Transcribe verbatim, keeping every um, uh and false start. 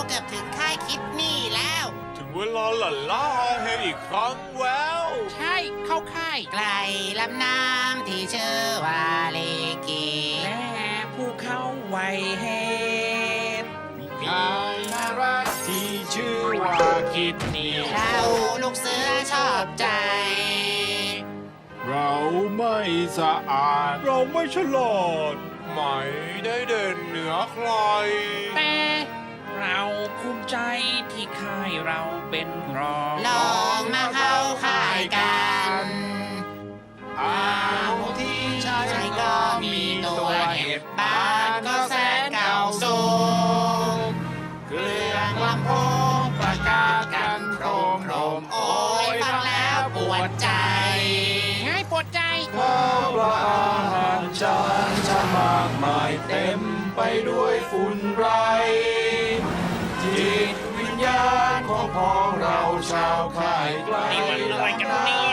เกือบถึงค่ายคิดนี่แล้วถึงเวลาหลั่นล้าเฮอีกครั้งแล้วใช่เข้าค่ายไกลลำน้ำที่ชื่อว่าเลกีและผู้เข้าไวเหตุนายน่ารักที่ชื่อว่าคิดนี่เราลูกเสือชอบใจเราไม่สะอาดเราไม่ฉลาดไม่ได้เด่นเหนือใครแต่เราภูมิใจที่ค่ายเราเป็นรองลองมาเข้าค่ายกันอ้าวที่ใช้ใช่ก็ก็มีมีตัตัว วเห็เห็บบบ้าบ้านนก็ก็แสแสนนเก่าเก่าสูสูงงเครื่องลำโพงประกาศกันโครมโครมโอ้ยฟังแล้วปวดใจง่ายปวดใจข้าวปลาอาหารจานชามากมายเต็มไปด้วยฝุ่นไร จิตวิญญาณของพ้องเราชาวค่ายไกลนี่มันอะไรกันเนี่ย